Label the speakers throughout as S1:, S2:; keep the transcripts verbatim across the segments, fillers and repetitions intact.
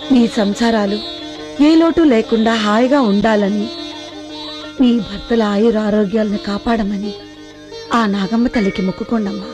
S1: మీ సంసారాలు ఏ లోటు లేకుండా హాయిగా ఉండాలని, మీ భర్తల ఆయుర ఆరోగ్యాలను కాపాడమని ఆ నాగమ్మ తల్లికి మొక్కుకోండమ్మా.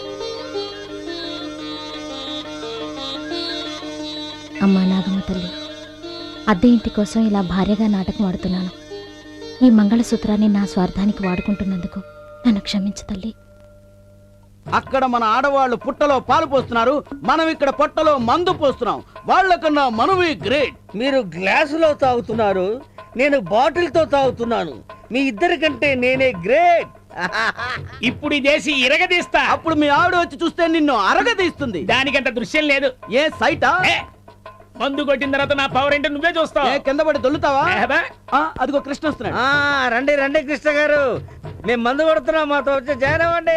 S2: అమ్మా నాగమ్మ తల్లి, అద్దె ఇంటి కోసం ఇలా భార్యగా నాటకం ఆడుతున్నాను. ఈ మంగళసూత్రాన్ని నా స్వార్థానికి వాడుకుంటున్నందుకు నన్ను క్షమించు తల్లి.
S3: అక్కడ మన ఆడవాళ్ళు పుట్టలో పాలు పోస్తున్నారు, మనం ఇక్కడ పొట్టలో మందు పోస్తున్నాం. వాళ్ళకన్నా మనవి గ్రేట్.
S4: మీరు గ్లాసులో తాగుతున్నారు, నేను బాటిల్తో తాగుతున్నాను. మీ ఇద్దరి కంటే నేనే గ్రేట్.
S5: ఇప్పుడు ఇదేసి ఇరగదీస్తా.
S3: అప్పుడు మీ ఆవిడ వచ్చి చూస్తే నిన్ను అరగదీస్తుంది.
S5: దానికంత దృశ్యం లేదు.
S3: ఏ సైటా?
S5: మందు కొట్టిన తర్వాత నా పవర్ ఏంటో నువ్వే చూస్తావు.
S3: కింద పడి దొల్లుతావా? అదిగో కృష్ణ వస్తున్నాడు.
S4: రండి రండి కృష్ణ గారు, మేము మందు కొడుతున్నాం, మాతో వచ్చి జాయిన్ అవ్వండి.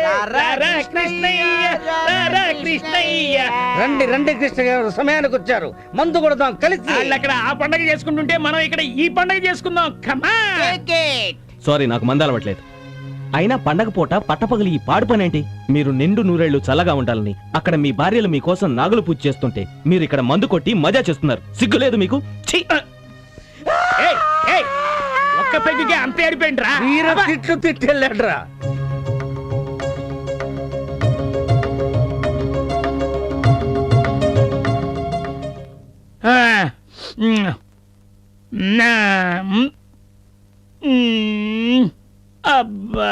S4: రండి రండి కృష్ణ గారు, సమయానికి వచ్చారు. మందు కొడతాం కలిసి.
S5: అక్కడ ఆ పండగ చేసుకుంటుంటే మనం ఇక్కడ ఈ పండగ చేసుకుందాం.
S6: సారీ, నాకు మందు అలవట్లేదు. అయినా పండగ పూట పట్టపగలి ఈ పాడు పనేంటి? మీరు నిండు నూరేళ్లు చల్లగా ఉండాలని అక్కడ మీ భార్యలు మీకోసం నాగులు పూజ చేస్తుంటే మీరు ఇక్కడ మందు కొట్టి మజా చేస్తున్నారు. సిగ్గులేదు మీకు?
S5: ఒక్క పెగ్గుకే అంత ఏడిపోయిండ్రా.
S4: తిట్లు తిట్టెళ్ళాడ్రా.
S5: అబ్బా,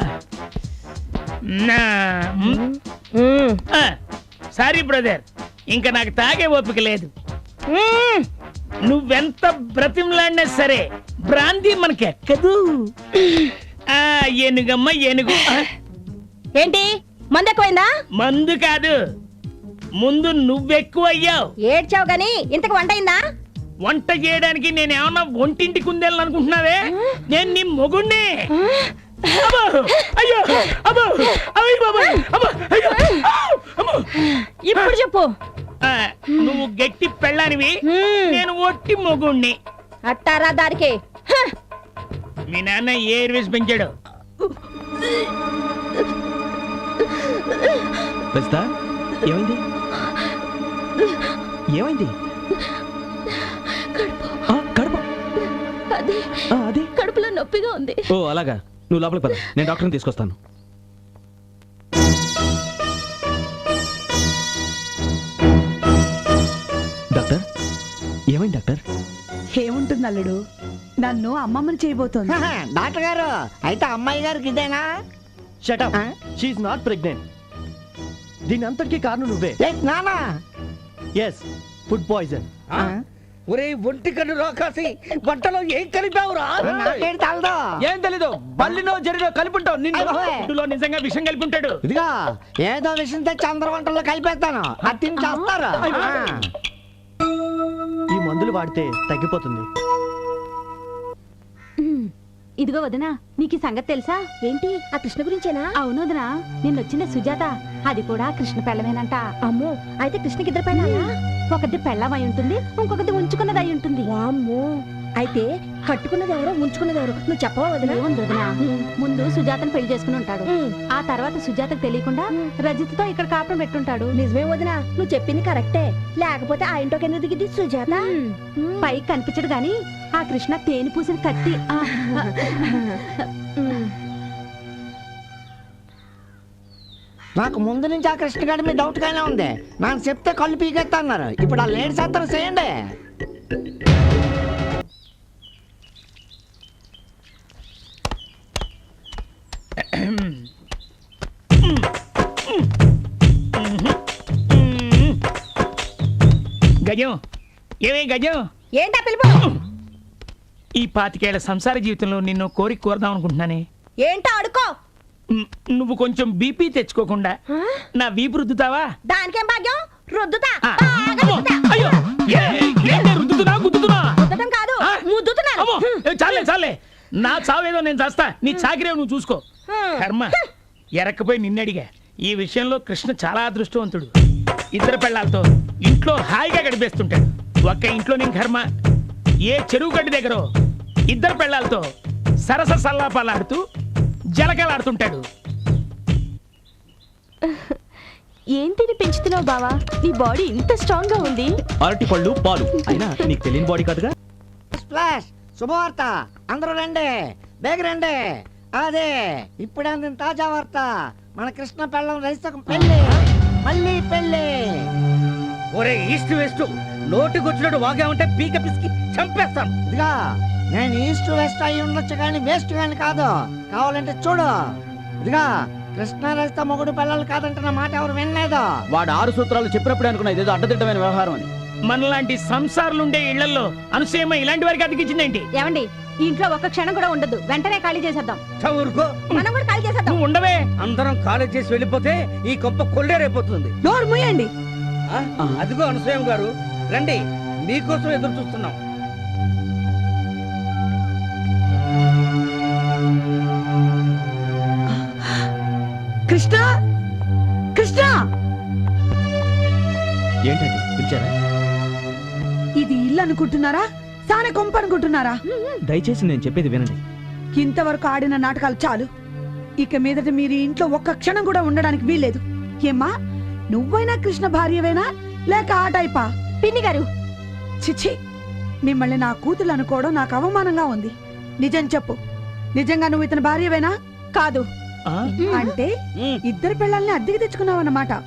S5: సారీ బ్రదర్, ఇంకా నాకు తాగే ఓపిక లేదు. నువ్వెంత బ్రతిమలాడినా సరే బ్రాంతి మనకెక్కదు. ఏనుగమ్మ ఏనుగు.
S2: ఏంటి మందు ఎక్కువైందా?
S5: మందు కాదు, ముందు నువ్వెక్కువ అయ్యావు.
S2: ఏడ్చావు గాని ఇంతకు వంట అయిందా?
S5: వంట చేయడానికి నేనేమన్నా ఒంటింటి కుందేళ్ళని అనుకుంటున్నావే? నేను నీ మొగుణ్ణి.
S2: ఇప్పుడు చెప్పు.
S5: నువ్వు గట్టి పెళ్ళానివి, నేను ఒట్టి మొగుణ్ణి.
S2: అట్టారా దారికి.
S5: మీ నాన్న ఏ ఎయిర్వేస్ పెంచాడు?
S6: ఏమైంది ఏమైంది?
S2: అదే కడుపులో నొప్పిగా ఉంది.
S6: ఓ అలాగా, నువ్వు లోపలికి పద, నేను డాక్టర్ని తీసుకొస్తాను. డాక్టర్, ఏమైంది డాక్టర్?
S1: ఏముంటుంది అల్లుడు, నన్ను అమ్మమ్మని చేయబోతోంది.
S4: డాక్టర్ గారు, అయితే అమ్మాయి గారికి ఇదేనా?
S7: Shut up, she is not pregnant. దీని అంతటికీ కారణం నువ్వే.
S4: నానా?
S7: Yes, food poison.
S4: ఒరే ఒంటి కన్ను రాకాసి, వంటలో ఏం కలిపావురా?
S3: ఏం తెలీదు, బల్లినో జరిలో కలిపుంటావు.
S5: నిన్ను నిజంగా విషం కలిపి ఉంటాడు.
S4: ఇదిగా ఏదో విషయం తెచ్చి అందరి వంటల్లో కలిపేస్తాను, అది తిని చేస్తారు.
S7: ఈ మందులు వాడితే తగ్గిపోతుంది.
S2: ఇదిగో వదనా, నీకు ఈ సంగతి తెలుసా? ఏంటి, ఆ కృష్ణ గురించేనా? అవును వదనా, నిన్నొచ్చిన సుజాత, అది కూడా కృష్ణ పెళ్ళమేనంట. అమ్మో, అయితే కృష్ణకి ఇద్దరు పెళ్ళాలా? ఒకటి పెళ్ళం అయి ఉంటుంది, ఇంకొకటి ఉంచుకున్నది అయి ఉంటుంది. వామ్మో, అయితే కట్టుకున్నది ఎవరో ఉంచుకున్నది ఎవరో నువ్వు చెప్పవా వదినా? వదినా, ముందు సుజాతను పెళ్లి చేసుకుని ఉంటాడు, ఆ తర్వాత సుజాతకు తెలియకుండా రజిత్తో ఇక్కడ కాపురం పెట్టుంటాడు. నిజమే వదినా, నువ్వు చెప్పింది కరెక్టే. లేకపోతే ఆ ఇంట్లోకి ఎందుకు దిగింది సుజాత? పైకి కనిపించడు గాని ఆ కృష్ణ తేనె పూసిన కత్తి.
S4: నాకు ముందు నుంచి ఆ కృష్ణ గారి మీద డౌట్ గానే ఉంది. నాకు చెప్తే కళ్ళు పీకెత్తా అన్నారు. ఇప్పుడు ఆ లేడీ శాస్త్రం చేయండి.
S5: గజం, ఏమే గజం?
S2: ఏంటా పిలుపు?
S5: ఈ పాతికేళ్ల సంసార జీవితంలో నిన్ను కోరిక కోరదాం అనుకుంటున్నానే.
S2: ఏంటో అడుకో.
S5: నువ్వు కొంచెం బీపీ తెచ్చుకోకుండా నా వీపు రుద్దుతావా?
S2: దానికేం భాగ్యం, రుద్దుతా.
S5: రుద్దుతున్నా గుద్దుతున్నా?
S2: రుద్దడం కాదు, ముద్దుతున్నాను.
S5: చాలే చాలే, నా చావేదో నేను చేస్తా, నీ చాకిరేవు నువ్వు చూసుకో. కర్మ, ఎరక్కపోయి నిన్నడిగా. ఈ విషయంలో కృష్ణ చాలా అదృష్టవంతుడు. ఇద్దరు పెళ్ళాలతో ఇంట్లో హాయిగా గడిపేస్తుంటాడు. ఒక్క ఇంట్లో నేను కర్మ, ఏ చెరువు గడ్డి దగ్గర ఇద్దరు పెళ్ళాలతో సరస సల్లాపాలాడుతూ జలకలాడుతుంటాడు.
S2: ఏంటిని పెంచుతున్నావు బావా నీ బాడీ ఇంత స్ట్రాంగ్ గా ఉంది
S6: అరటి పళ్ళు పాలు అయినా నీకు తెలియని బాడీ కాదుగా.
S4: స్ప్లాష్ శుభవార్త, అందరూ రండి, బేగ రండి. అదే ఇప్పుడే అందిన తాజా వార్త, మన కృష్ణ పెళ్ళం రైతుకు పెళ్ళి, మళ్ళీ పెళ్ళి.
S3: ఒరే ఈస్ట్ వెస్ట్ నోటికొచ్చినట్టు వాగా ఉంటే పీక పిసికి చంపేస్తాను.
S4: ఇదిగా నేను ఈస్ట్ వెస్ట్ అయి ఉండొచ్చు కానీ వేస్ట్ కానీ కాదు, కావాలంటే చూడు. ఇదిగా కృష్ణ రైతు మొగుడు పిల్లలు కాదంటున్న మాట ఎవరు వినలేదు.
S3: వాడు ఆరు సూత్రాలు చెప్పినప్పుడే అనుకున్నా ఇదేదో అడ్డదిడ్డమైన వ్యవహారం అని.
S5: మనలాంటి సంసారాలుండే ఇళ్లలో అనుసూయమ్మ ఇలాంటి వారికి అతికించిందేంటి?
S2: ఏమండి ఈ ఇంట్లో ఒక్క క్షణం కూడా ఉండదు, వెంటనే ఖాళీ చేసేద్దాం.
S3: ఊరుకో,
S2: మనం కూడా ఖాళీ చేసేద్దాం.
S5: నువ్వు ఉండవే.
S3: అందరం కాలేజ్ చేసి వెళ్ళిపోతే ఈ గొప్ప కొల్లేరైపోతుంది.
S1: నోరు మూయండి.
S3: ఆ, అదిగో అనసూయం గారు రండి, మీకోసం ఎదురు చూస్తున్నాం.
S1: కృష్ణ కృష్ణ
S6: ఏంటండి పిలిచారా?
S1: ఇది ఇల్లు అనుకుంటున్నారా, సాన కొంప అనుకుంటున్నారా?
S6: దయచేసి నేను చెప్పేది వినండి.
S1: ఇంతవరకు ఆడిన నాటకాలు చాలు. ఇక మీదట మీరు ఈ ఇంట్లో ఒక్క క్షణం కూడా ఉండడానికి వీల్లేదు. ఏమ్మా, నువ్వైనా కృష్ణ భార్యవేనా లేక ఆ టైపా?
S2: పిన్ని గారు
S1: చిచ్చి, మిమ్మల్ని నా కూతురు అనుకోవడం నాకు అవమానంగా ఉంది. నిజం చెప్పు, నిజంగా నువ్వు ఇతని భార్యవేనా?
S2: కాదు.
S5: ఆ?
S1: అంటే ఇద్దరు పిల్లల్ని అద్దెకి తెచ్చుకున్నావు అన్నమాట.